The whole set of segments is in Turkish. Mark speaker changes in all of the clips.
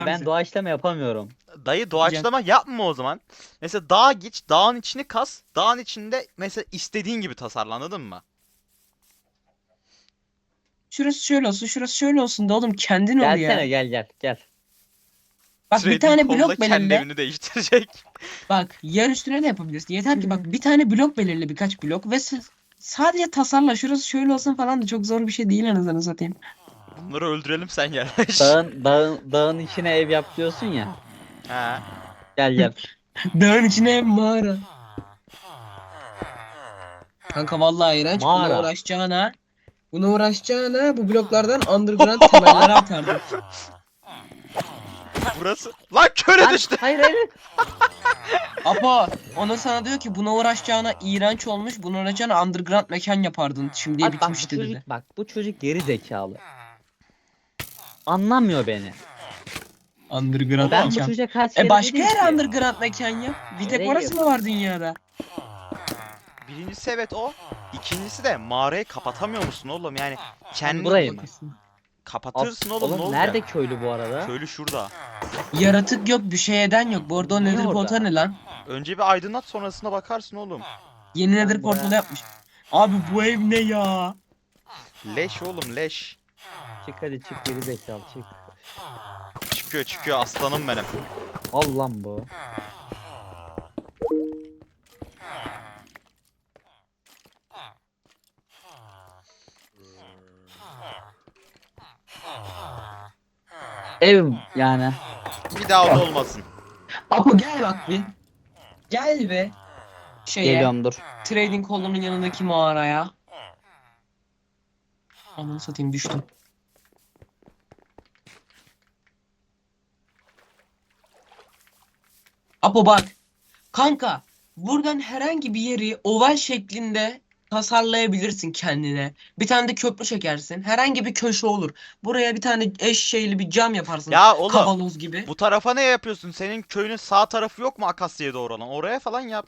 Speaker 1: Ben doğaçlama yapamıyorum.
Speaker 2: Dayı doğaçlama yapma o zaman. Mesela dağa geç, dağın içini kas. Dağın içinde mesela istediğin gibi tasarla, anladın mı?
Speaker 3: Şurası şöyle olsun, şurası şöyle olsun da oğlum kendin ol
Speaker 1: Gelsene
Speaker 3: ya.
Speaker 1: gel.
Speaker 3: Bak bir
Speaker 2: Trading
Speaker 3: tane
Speaker 2: Hall'da
Speaker 3: blok
Speaker 2: kendi
Speaker 3: belirle.
Speaker 2: evini değiştirecek.
Speaker 3: Bak yer üstüne de yapabilirsin. Yeter ki bak bir tane blok belirle, birkaç blok ve sadece tasarla. Şurası şöyle olsun falan da çok zor bir şey değil anasını satayım.
Speaker 2: Bunları öldürelim, sen yerleş.
Speaker 1: Dağın içine ev yap diyorsun ya.
Speaker 2: He.
Speaker 1: Gel.
Speaker 3: Dağın içine mağara. Kanka vallahi iğrenç.
Speaker 1: Mağara.
Speaker 3: Buna uğraşacağına bu bloklardan underground temeller atardım.
Speaker 2: Burası. Lan köre
Speaker 1: Lan
Speaker 2: düştü.
Speaker 1: hayır.
Speaker 3: Apo onu sana diyor ki buna uğraşacağına iğrenç olmuş. Buna uğraşacağına underground mekan yapardın. Şimdiye
Speaker 1: Abi bak
Speaker 3: bitmişti dedi.
Speaker 1: bu çocuk geri zekalı. Anlamıyor beni.
Speaker 3: Underground
Speaker 1: Ben bu
Speaker 3: mekan.
Speaker 1: çocuğa kaç kere
Speaker 3: Başka
Speaker 1: dedim
Speaker 3: yer
Speaker 1: ki.
Speaker 3: underground mekan yap. Bir tek
Speaker 1: Nereye
Speaker 3: orası mı var dünyada?
Speaker 2: Birincisi evet o. İkincisi de mağarayı kapatamıyor musun oğlum? Yani kendi
Speaker 1: burayı mı?
Speaker 2: kapatırsın oğlum, ne olacak?
Speaker 1: Nerede köylü bu arada?
Speaker 2: Köylü şurada.
Speaker 3: Yaratık yok, bir şey eden yok. Bu arada o
Speaker 1: Niye
Speaker 3: nether
Speaker 1: orada?
Speaker 3: portal ne lan?
Speaker 2: Önce bir aydınlat, sonrasına bakarsın oğlum.
Speaker 3: Yeni
Speaker 1: Ben
Speaker 3: nether
Speaker 1: buraya-
Speaker 3: portalı yapmış. Abi bu ev ne ya?
Speaker 2: Leş oğlum, leş.
Speaker 1: Çık hadi çık geri zekalı çık.
Speaker 2: Çıkıyor aslanım benim.
Speaker 1: Al lan bu. Ev yani.
Speaker 2: Bir daha o da olmasın.
Speaker 3: Apo gel bak bir. Gel be.
Speaker 1: Geliyorum dur.
Speaker 3: Trading hall'unun yanındaki mağaraya. Ananı satayım düştüm. Apo bak. Kanka buradan herhangi bir yeri oval şeklinde tasarlayabilirsin kendine. Bir tane de köprü çekersin. Herhangi bir köşe olur. Buraya bir tane eşeğli bir cam yaparsın.
Speaker 2: Ya oğlum,
Speaker 3: Kavanoz gibi.
Speaker 2: bu tarafa ne yapıyorsun? Senin köyünün sağ tarafı yok mu Akasya'ya doğru olan? Oraya falan yap.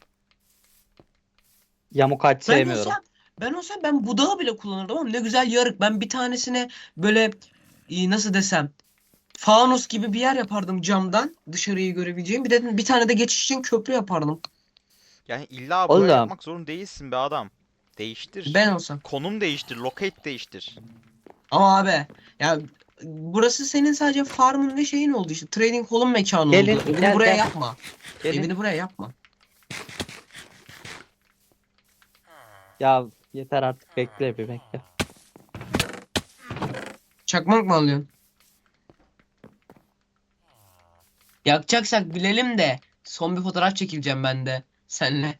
Speaker 1: Yamuk ağaç
Speaker 3: Ben
Speaker 1: sevmiyorum.
Speaker 3: olsam ben budağı bile kullanırdım ama ne güzel yarık. Ben bir tanesine böyle nasıl desem fanus gibi bir yer yapardım camdan dışarıyı görebileceğim. Bir tane de geçiş için köprü yapardım.
Speaker 2: Yani illa buraya
Speaker 1: Oğlum
Speaker 2: yapmak zorunda değilsin be adam. Değiştir.
Speaker 3: Ben olsam.
Speaker 2: Konum değiştir, locate değiştir.
Speaker 3: Ama abi ya burası senin sadece farmın ve şeyin oldu işte. Trading hall'un mekanı
Speaker 1: gelin
Speaker 3: oldu. Evini
Speaker 1: gel
Speaker 3: buraya
Speaker 1: gel.
Speaker 3: yapma.
Speaker 1: Gelin.
Speaker 3: Evini buraya yapma.
Speaker 1: Ya yeter artık bekle bir bekle.
Speaker 3: Çakmak mı alıyorsun? Yakacaksak bilelim de son bir fotoğraf çekileceğim ben de senle.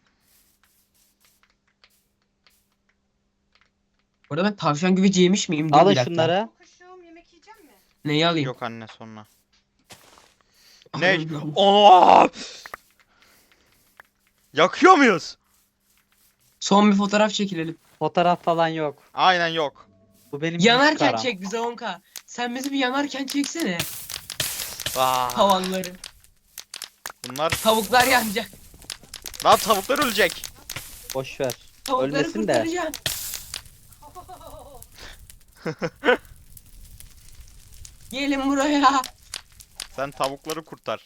Speaker 3: Orada ben tavşan güveci yemiş miyim? Dur
Speaker 1: Alın
Speaker 3: bir dakika.
Speaker 1: şunları.
Speaker 4: Kuşum yemek yiyecek mi?
Speaker 3: Neyi alayım?
Speaker 2: Yok anne, sonra. Ne?
Speaker 3: Allah'ım.
Speaker 2: Aa! Yakıyor muyuz?
Speaker 3: Son bir fotoğraf çekilelim.
Speaker 1: Fotoğraf falan yok.
Speaker 2: Aynen yok.
Speaker 1: Bu benim güç
Speaker 3: Yanarken
Speaker 1: karam.
Speaker 3: çek bize 10K. Sen bizi bir yanarken çeksene.
Speaker 2: Aa,
Speaker 3: Havanları.
Speaker 2: bunlar
Speaker 3: Tavuklar yanacak.
Speaker 2: lan, tavuklar ölecek.
Speaker 1: Boş ver.
Speaker 3: Tavukları
Speaker 1: Ölmesin de.
Speaker 3: kurtaracaksın. Gelin buraya.
Speaker 2: Sen tavukları kurtar.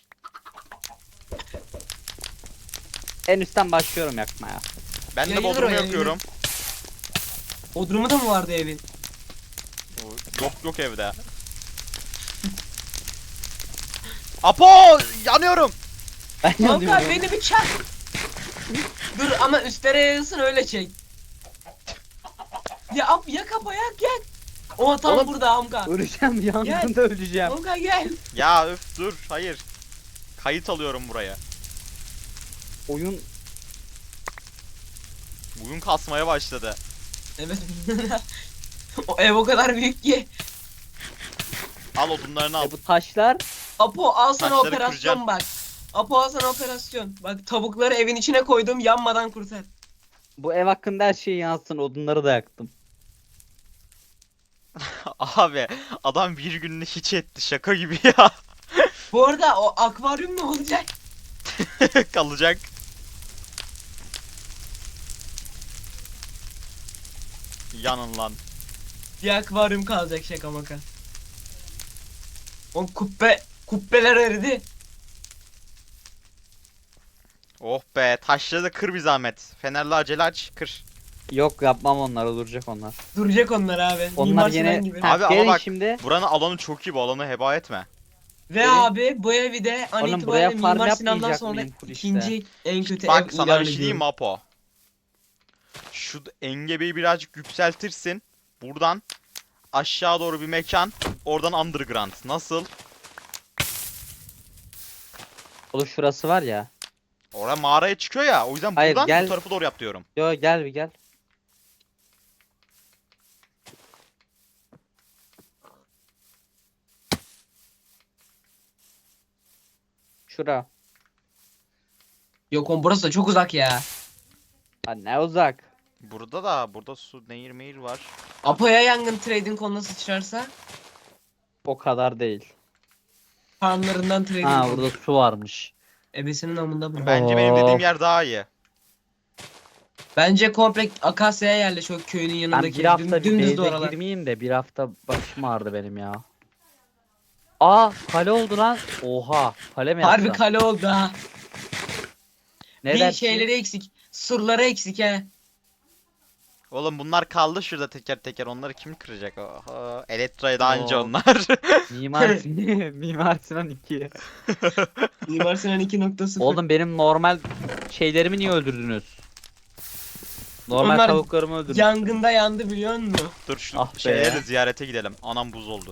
Speaker 1: En üstten başlıyorum yakmaya.
Speaker 2: Ben de
Speaker 3: Yayılır
Speaker 2: bodrumu
Speaker 3: o, yayılır.
Speaker 2: yakıyorum.
Speaker 3: Bodrumu da mı vardı evin?
Speaker 2: Yok evde. Apo, yanıyorum.
Speaker 1: Ben
Speaker 3: Kanka
Speaker 1: yanıyorum.
Speaker 3: beni bir çak. Dur ama üstlere yayılsın öyle çek. Ya yak Apo yak. O tam
Speaker 1: Oğlum.
Speaker 3: burada Amka.
Speaker 1: Öleceğim yangında öleceğim.
Speaker 3: Amka gel.
Speaker 2: Ya öf, dur, hayır. Kayıt alıyorum buraya.
Speaker 1: Oyun
Speaker 2: Bugün kasmaya başladı.
Speaker 3: Evet. O ev o kadar büyük ki.
Speaker 2: Al odunlarını al.
Speaker 1: bu taşlar
Speaker 3: Apo al sana
Speaker 2: Taşları
Speaker 3: operasyon
Speaker 2: kıracağım.
Speaker 3: bak. Apo al sana operasyon. Bak tavukları evin içine koydum yanmadan kurtar.
Speaker 1: bu ev hakkında her şeyi yansın odunları da yaktım.
Speaker 2: Abi, adam bir gününü hiç etti, şaka gibi ya.
Speaker 3: Bu arada o akvaryum ne olacak?
Speaker 2: Kalacak. Yanın lan.
Speaker 3: Bir akvaryum kalacak şaka maka. O kubbe Kubbeler eridi.
Speaker 2: Oh be, taşları da kır bir zahmet. Fenerli acele aç, kır.
Speaker 1: Yok yapmam onları, duracak onlar.
Speaker 3: Duracak onlar abi.
Speaker 1: Onlar
Speaker 3: Mimar
Speaker 1: yine
Speaker 3: Sinan gibi.
Speaker 1: Ha,
Speaker 2: Abi ama
Speaker 1: gelin
Speaker 2: bak,
Speaker 1: şimdi.
Speaker 2: buranın alanı çok iyi, bu alanı heba etme.
Speaker 3: Ve
Speaker 1: gelin.
Speaker 3: abi bu evi de an
Speaker 1: Oğlum,
Speaker 3: itibariyle
Speaker 1: buraya farm
Speaker 3: Mimar Sinan'dan
Speaker 1: yapmayacak
Speaker 3: sonra
Speaker 1: mıyım full işte?
Speaker 3: ikinci en kötü
Speaker 2: Bak
Speaker 3: ev
Speaker 2: sana
Speaker 3: ilan
Speaker 2: bir şey diyeyim mi
Speaker 3: ediyorum.
Speaker 2: Apo? Şu engebeyi birazcık yükseltirsin. Buradan aşağı doğru bir mekan. Oradan underground. Nasıl?
Speaker 1: Oğlum şurası var ya.
Speaker 2: Oraya mağaraya çıkıyor ya. O yüzden
Speaker 1: Hayır,
Speaker 2: buradan
Speaker 1: gel.
Speaker 2: bu tarafa doğru yap diyorum.
Speaker 1: Yo, gel bir gel. Şura.
Speaker 3: Yok oğlum burası da çok uzak ya.
Speaker 1: Ha, ne uzak.
Speaker 2: Burada su, nehir mehir var.
Speaker 3: Apo'ya yangın trading konuna sıçrarsa
Speaker 1: O kadar değil.
Speaker 3: farmlarından trading
Speaker 1: Ha,
Speaker 3: konu.
Speaker 1: burada su varmış.
Speaker 3: Ebesinin amında bu.
Speaker 2: Bence benim dediğim
Speaker 1: Of.
Speaker 2: yer daha iyi.
Speaker 3: Bence komple Akasya'ya yerleş o köyünün
Speaker 1: Ben
Speaker 3: yanındaki.
Speaker 1: bir hafta bir
Speaker 3: Dümdüz
Speaker 1: base'e
Speaker 3: oralar.
Speaker 1: girmeyeyim de bir hafta başım ağrıdı benim ya. Aa, kale oldu lan. Oha, kale mi
Speaker 3: Harbi
Speaker 1: yapsam?
Speaker 3: kale oldu ha.
Speaker 1: Ne
Speaker 3: Bir
Speaker 1: dersin?
Speaker 3: şeyleri eksik. Surları eksik he.
Speaker 2: Oğlum bunlar kaldı şurada teker teker. Onları kim kıracak? Oha. Elektra'ya daha önce
Speaker 1: Oo.
Speaker 2: onlar.
Speaker 1: Mimar Mimar Sinan 2.
Speaker 3: Mimar Sinan 2.0.
Speaker 1: Oğlum, benim normal şeylerimi niye öldürdünüz? Normal
Speaker 3: Onlar
Speaker 1: tavuklarımı öldürdünüz.
Speaker 3: yangında yandı biliyor musun?
Speaker 2: Dur şu
Speaker 1: Ah be.
Speaker 2: şeyleri de ziyarete gidelim. Anam buz oldu.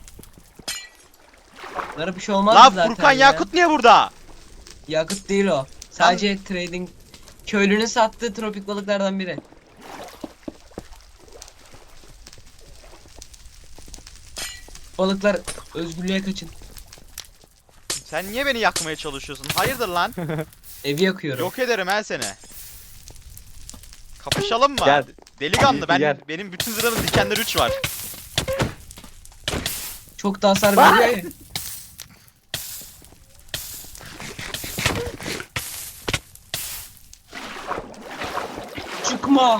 Speaker 3: Bunlara bir şey olmaz
Speaker 2: Lan
Speaker 3: zaten
Speaker 2: Furkan
Speaker 3: ya.
Speaker 2: Yakut niye burada?
Speaker 3: Yakıt değil o. Sadece trading. Köylünün sattığı tropik balıklardan biri. Balıklar özgürlüğe kaçın.
Speaker 2: Sen niye beni yakmaya çalışıyorsun? Hayırdır lan?
Speaker 3: Evi yakıyorum.
Speaker 2: Yok ederim ben seni. Kapışalım mı?
Speaker 1: Gel.
Speaker 2: Delikanlı
Speaker 1: Gel.
Speaker 2: benim bütün zırhımın dikenleri 3 var.
Speaker 3: Çok da hasar veriyor ya. Çıkma.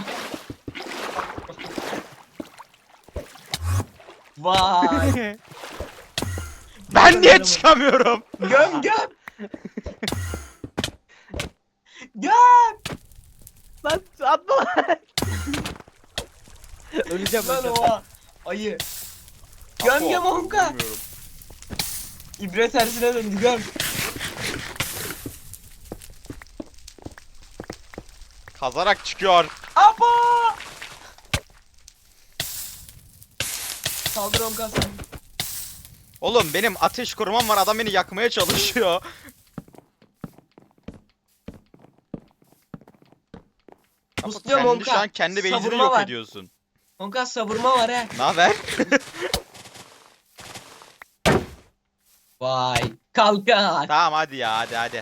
Speaker 3: Vay.
Speaker 2: Ben niye çıkamıyorum?
Speaker 3: Göm göm. Göm.
Speaker 1: Lan atma lan. Öleceğim,
Speaker 3: Lan
Speaker 1: öleceğim.
Speaker 3: oha. Ayı. Göm göm onka.
Speaker 2: Bilmiyorum.
Speaker 3: İbre tersine döndü göm.
Speaker 2: Kazarak çıkıyor.
Speaker 3: Apo. Saldır onka sen.
Speaker 2: Oğlum benim ateş korumam var, adam beni yakmaya çalışıyor.
Speaker 3: Pusluyorum
Speaker 2: Kendi şu
Speaker 3: onka.
Speaker 2: an kendi base'ini
Speaker 3: Savurma
Speaker 2: yok
Speaker 3: var.
Speaker 2: ediyorsun.
Speaker 3: Onka savurma var he.
Speaker 2: Ne haber?
Speaker 3: Vay. Kalkan.
Speaker 2: Tamam hadi ya, hadi.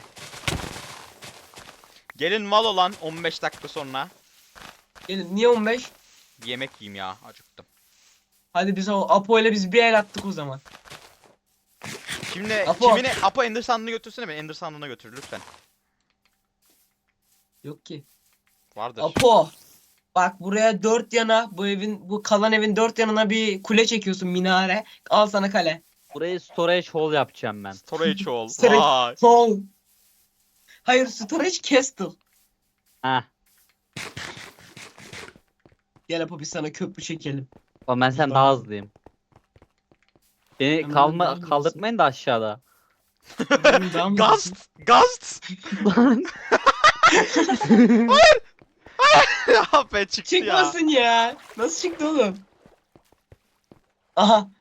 Speaker 2: Gelin mal olan 15 dakika sonra.
Speaker 3: Gelin niye 15?
Speaker 2: Bir yemek yiyeyim ya, acıktım.
Speaker 3: Hadi biz o Apo ile biz bir el attık o zaman.
Speaker 2: Şimdi
Speaker 3: Apo.
Speaker 2: Apo Ender sandığını götürsene, beni Ender sandığına götür lütfen.
Speaker 3: Yok ki.
Speaker 2: Vardır.
Speaker 3: Apo. Bak buraya dört yana bu kalan evin dört yanına bir kule çekiyorsun minare. Al sana kale.
Speaker 1: Burayı storage hall yapacağım ben.
Speaker 2: Storage ol.
Speaker 3: Storage-
Speaker 2: Vay.
Speaker 3: Sol. Hayır storage castle.
Speaker 1: Ha.
Speaker 3: Gel Apo biz sana köprü çekelim.
Speaker 1: Oğlum, ben sen daha hızlıyım. Beni
Speaker 3: Ben daha hızlısın.
Speaker 1: kaldırtmayın da aşağıda.
Speaker 3: Benim daha mı
Speaker 2: Gast! Gast!
Speaker 1: Lan.
Speaker 2: Ya be çıktı ya.
Speaker 3: Çıkmasın ya. Nasıl çıktı oğlum? Aha.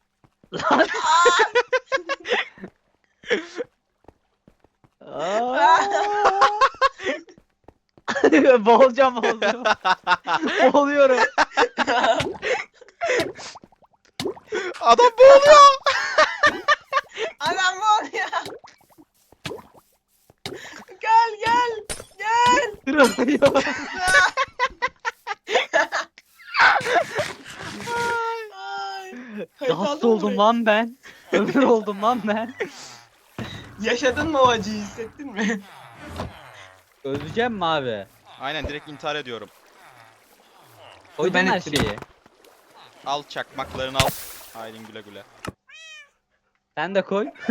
Speaker 1: Boğulacağım. Boğuluyorum.
Speaker 2: Adam boğuluyor.
Speaker 3: Adam var ya. Gel gel. Gel.
Speaker 1: Kırılıyor.
Speaker 3: Ay. Kayıt
Speaker 1: Gast
Speaker 3: aldın mı
Speaker 1: oldum
Speaker 3: burayı?
Speaker 1: lan ben. Ömür oldum lan ben.
Speaker 3: Yaşadın mı o acıyı hissettin mi?
Speaker 1: Öleceğim mi abi?
Speaker 2: Aynen, direkt intihar ediyorum.
Speaker 1: Koydun
Speaker 3: Ben
Speaker 1: her
Speaker 3: ettim.
Speaker 1: şeyi.
Speaker 2: Al çakmaklarını al. Aydın güle güle.
Speaker 1: Sen de koy.